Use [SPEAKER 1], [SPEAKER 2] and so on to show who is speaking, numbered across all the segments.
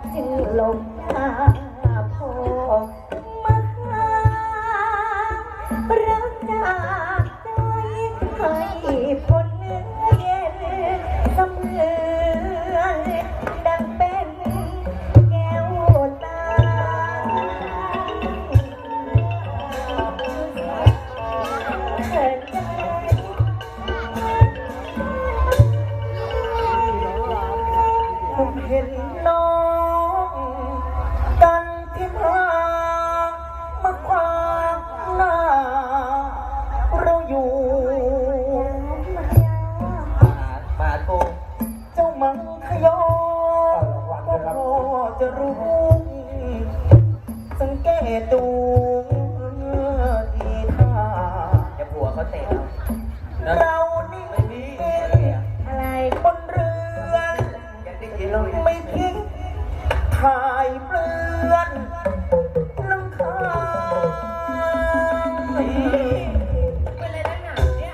[SPEAKER 1] จึงหลงหาพ่อมาหารักจากใจให้พ้นเนื้อเย็นเสมือนดังเป็นแก้วตาเถิดใจผมเห็นน้องกันที่มาขวางหน้าเราอยู่มาโกเจ้ามังคยอก็พอจะรู้สังเกตดูทีท่าจะผัวเขาเตะเรานี่อะไรบนเรือนไม่ทิ้งถ่ายเปลือนน้ำค้างเป็นอะไรนักหนาเนี่ย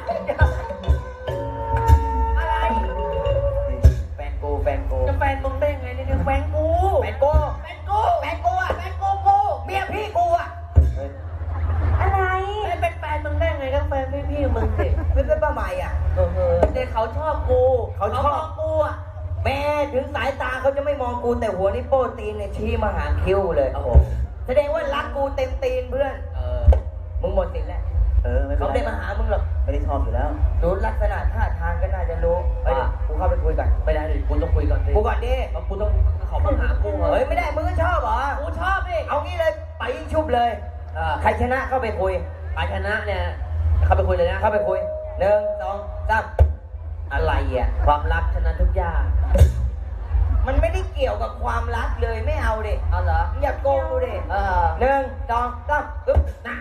[SPEAKER 1] อะไรแฟนกูจะแฟนมึงได้ไงเนี่ยแฟนกูอะแฟนกูเมียพี่กูอะอะไรเป็นแฟนมึงได้ไงก็แฟนพี่มึงสิไม่เป็นป้าใหม่อ่ะแต่เขาชอบกูเขาชอบกูอ่ะแม่ถึงสายตาเขาจะไม่มองกูแต่หัวนี่โป้ตีนเนี่ยชี้มาหาคิ้วเลยโอ้โหแสดงว่ารักกูเต็มตีนเพื่อนมึงหมดสิทธิ์แล้วเขาได้มาหามึงหรอกไม่ได้ชอบอยู่แล้วดูลักษณะท่าทางก็น่าจะรู้กูเข้าไปคุยกันไม่ได้ดิกูต้องคุยก่อนดิกูก่อนดิกูต้องเขามาหากูเฮ้ยไม่ได้มึงก็ชอบเหรอกูชอบดิเอางี้เลยไปชุบเลยใครชนะเข้าไปคุยใครชนะเนี่ยเข้าไปคุยเลยนะเข้าไปคุย1 2 3อะไรอ่ะความรักชนะทุกอย่างมันไม่ได้เกี่ยวกับความรักเลยไม่เอาดิเอาเหรออย่าโกงกูดิ1 2 3ปึ๊บนะ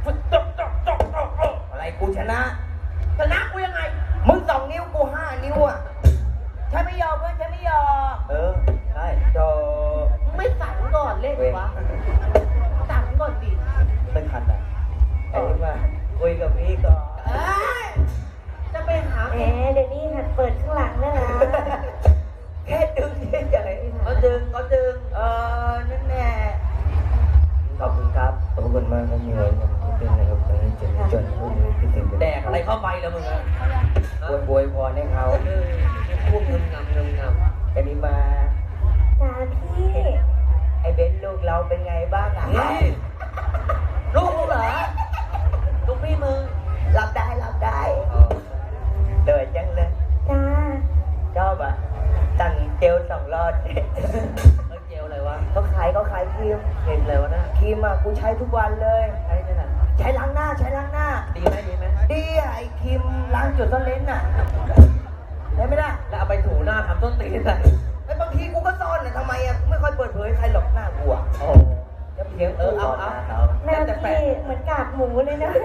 [SPEAKER 1] อะไรกูชนะกูยังไงมึง2 นิ้วกู5 นิ้วอ่ะใช่ไม่ยอมเพื่อนใช่ไม่ยอมใช่โธ่ไม่สั่งก่อนเล่นวะสั่งก่อนดิไม่ทันอ่ะไอ้นี่มาคุยกับพี่ก่อนจะไปหาเดี๋ยวนี้หัดเปิดข้างหลังแล้วนะแค่ดึงเฉยๆเขาดึงนั่นแน่ขอบคุณครับขอบคุณมากครับเหนื่อยเป็นอะไรครับจนคิดถึงแดกอะไรเข้าไปแล้วมึงอ่ะบวยพรให้เขาพูดเงิมงำอันนี้มาจ้าพี่ไอ้เบนลูกเราเป็นไงบ้างอ่ะลูกมึงเหรอลูกพี่มึงรับได้เดินจังเลยจ้าชอบอ่ะตั้งเจล2 รอดเขาเจลอะไรวะเขาขายครีมเห็นเลยวะนะครีมอ่ะกูใช้ทุกวันเลยใช้ล้างหน้าดีไหมดีอ่ะไอ้ครีมล้างจุดต้นเลนส์อ่ะได้ไหมล่ะแล้วเอาไปถูหน้าทำต้นตีนอะไรแล้วบางทีกูก็ซ่อนเลยทำไมอ่ะไม่ค่อยเปิดเผยใครหรอกหน้ากูอ่ะโอ้จะเพียงเอาหน้าพี่เหมือนกากหมูเลยนะ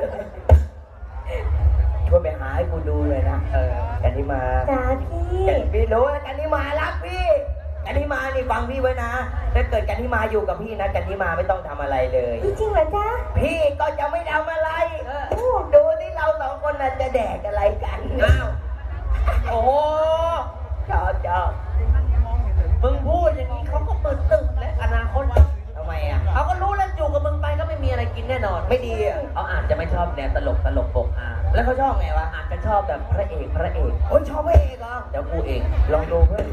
[SPEAKER 1] ช่วยไปหาให้กูดูเลยนะกันที่มาจ้าพี่รู้นะกันที่มารักพี่กันที่มานี่ฟังพี่ไว้นะถ้าเกิดกันที่มาอยู่กับพี่นะกันที่มาไม่ต้องทำอะไรเลยจริงเหรอจ๊ะพี่ก็จะไม่ทำอะไรดูที่เรา2 คนน่ะจะแดกอะไรกันอ้าวโอ้ชอบมึงพูดอย่างนี้เขาก็ตื่นตึกและอนาคตทำไมอ่ะเขาก็รู้แล้วอยู่กับมึงไปก็ไม่มีอะไรกินแน่นอนไม่ดีอ่ะเขาอาจจะไม่ชอบแนวตลกปกแล้วเขาชอบไงวะอาจจะชอบแบบพระเอกโอ้ยชอบพระเอกเหรอเดี๋ยวกูเองลองดูเพื่อน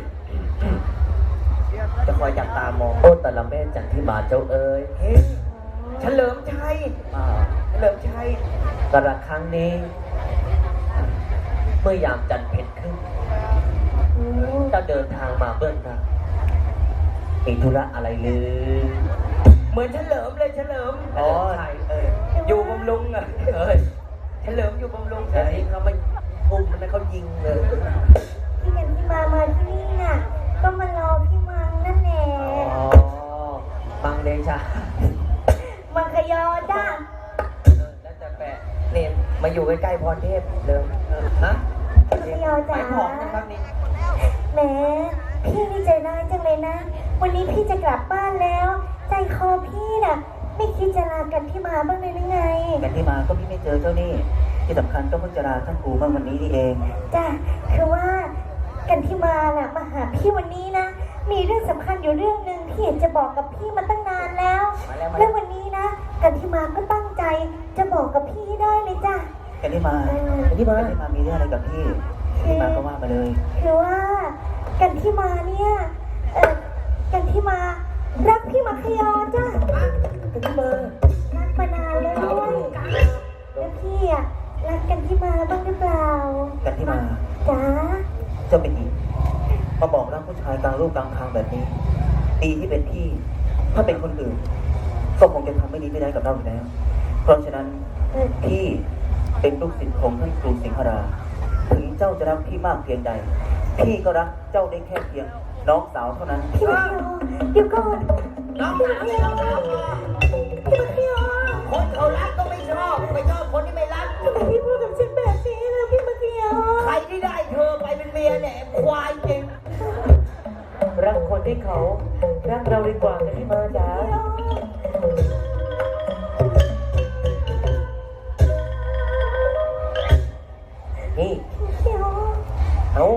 [SPEAKER 1] จะคอยจับตามองโอ้แต่ละแม่จันที่มาเจ้าเอ๋ยเฉลิมชัยกระครั้งนี้เมื่อยามจันทร์เพ็ญขึ้นจะเดินทางมาเบื้องหน้ามีธุระอะไรหรือเหมือนเฉลิมเลยอยู่บำรุงอ่ะเฉลิมอยู่บำรุงแต่เองเขาไม่ปุ่มมันเขายิงเลยพี่กันที่มาที่นี่น่ะก็มารอพี่มังนั่นแหละมังเดชามังคยอจ้าแล้วจะแปะเนี่ยมาอยู่ใกล้ๆพรเทพเดิมฮะมังคยอจ้าไปผอมนะครับนี่แหมพี่นี่ใจร้ายจังเลยนะวันนี้พี่จะกลับบ้านแล้วใจคอพี่น่ะไม่คิดจะลากันที่มาบ้างเลยหรือไงกันที่มาก็พี่ไม่เจอเจ้านี่ที่สำคัญก็เพิ่งจะลาท่านครูบ้างวันนี้นี่เองจ้ะคือว่ากันที่มาน่ะมาหาพี่วันนี้นะมีเรื่องสำคัญอยู่เรื่องนึง
[SPEAKER 2] พี่อยากจะบอกกับพี่มาตั้งนานแล้ว แล้ววันนี้นะกันที่มาก็ตั้งใจจะบอกกับพี่ได้เลยจ้ะ
[SPEAKER 1] กันที่มามีเรื่องอะไรกับพี่กันที่มาก็ว่ามาเลย
[SPEAKER 2] คือว่ากันที่มาเนี่ยกันที่มารักพี่มัคยอจ้ะ
[SPEAKER 1] กันที่มา
[SPEAKER 2] รักมานานแล้วด้วยแล้วพี่อะรักกันที่มาบ้างหรือเปล่า
[SPEAKER 1] กันที่มา
[SPEAKER 2] จ๋า
[SPEAKER 1] เจ้าเป็นหญิงมาบอกรักผู้ชายกลางรูปกลางทางแบบนี้ดีที่เป็นพี่ถ้าเป็นคนอื่นก็คงจะทำไม่ดีไม่ได้กับเราอยู่แล้วเพราะฉะนั้นพี่เป็นลูกศิษย์ของท่านครูสิงหราถึงเจ้าจะรักพี่มากเพียงใดพี่ก็รักเจ้าได้แค่เพียงน้องสาวเท่านั้น
[SPEAKER 2] พี่มัคยอเดี๋ยวก่อนน้องสาวพี่มัคยอคนเขารักก็ไม่ชอบคนที่ไม่รักทำไมพี่พูดกับฉันแบบนี้ล่ะพี่มัคยอใครที่ได้เธอไปเป็นเมียเนี่ยควายจริง
[SPEAKER 3] รักคนที่เขารักเราดีกว่ากันที่มาจ๋านี่เอา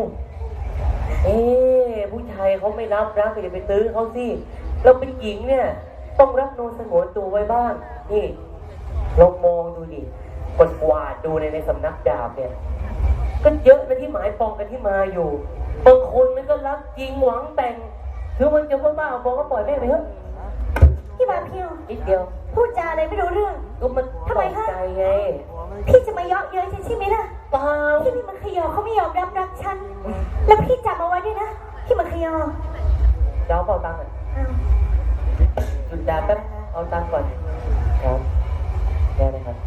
[SPEAKER 3] ผู้ชายเขาไม่รับรักก็อย่าไปตื้อเขาสิเราเป็นหญิงเนี่ยต้องรักโนสงวนตัวไว้บ้างนี่เรามองดูดิกวาดดูในสำนักดาบเนี่ยก็เยอะนะที่หมายปองกันที่มาอยู่บางคนมันก็รักจริงหวังแต่งคือมันจะบ้าๆบอกก็ปล่อยแม่ไปเถอะ
[SPEAKER 2] พี่มาเพียว
[SPEAKER 3] นิดเดียว
[SPEAKER 2] พูดจาอะไรไม่รู้เรื่อง
[SPEAKER 3] ก็มัน
[SPEAKER 2] ทำไมคะ
[SPEAKER 3] ใจไง
[SPEAKER 2] พี่จะมาเยาะเย้ยฉันใช่ไหมล่ะ
[SPEAKER 3] เปล่า
[SPEAKER 2] พี่มัคยอเขาไม่ยอมรับรักฉัน แล้วพี่จำเอาไว้ด้วยนะพี่มัคยอ
[SPEAKER 3] เจ้าเป่าตังค์อ่ะ
[SPEAKER 2] อ้าว
[SPEAKER 3] หยุดด่าแป๊บเอาตังค์ก่อนครับได้เลยครับ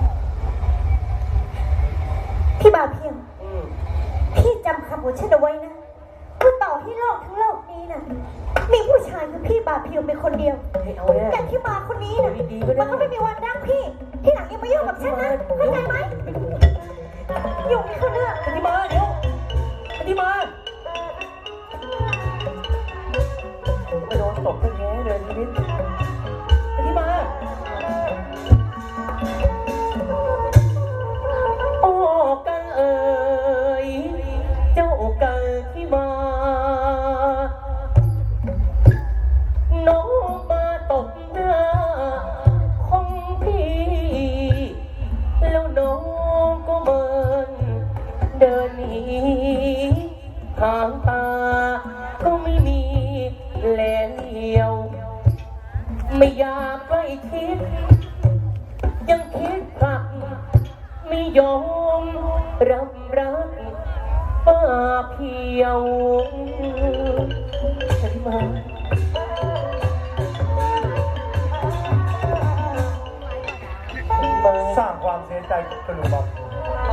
[SPEAKER 2] พี่บ่าวเพียว
[SPEAKER 3] อืม
[SPEAKER 2] พี่จำคำของฉันเอาไว้นะว่าต่อให้โลกทั้งโลกนี้นะมีผู้ชายคือพี่บ่าวเพียวเป็นคนเดียว
[SPEAKER 3] ให้เอาเนี่ย
[SPEAKER 2] อย่างที่มาคนนี้นะ
[SPEAKER 3] ดีๆก็ได้
[SPEAKER 2] มันก็ไม่มีวันรักพี่ที่หลังอย่ามายุ่งกับฉันนะเข้าใจไหมยุ่งไม่เข้าเรื่อง
[SPEAKER 3] กันที่มาเดี๋ยวกันที่มาไม่โดนตบตั้งแง่เลยชีวิตกันที่มาโอ้กันเอ๋ยเจ้ากันที่มาน้องมาตกหน้าของพี่แล้วน้องก็เมินเดินหนีทางตาก็ไม่มีแลเลียวไม่อยากใกล้ชิดยังคิดผลักไม่ยอมรับรักป้าเพียวฉันมา
[SPEAKER 4] สร้างความเสียใจกับกระดูกบอล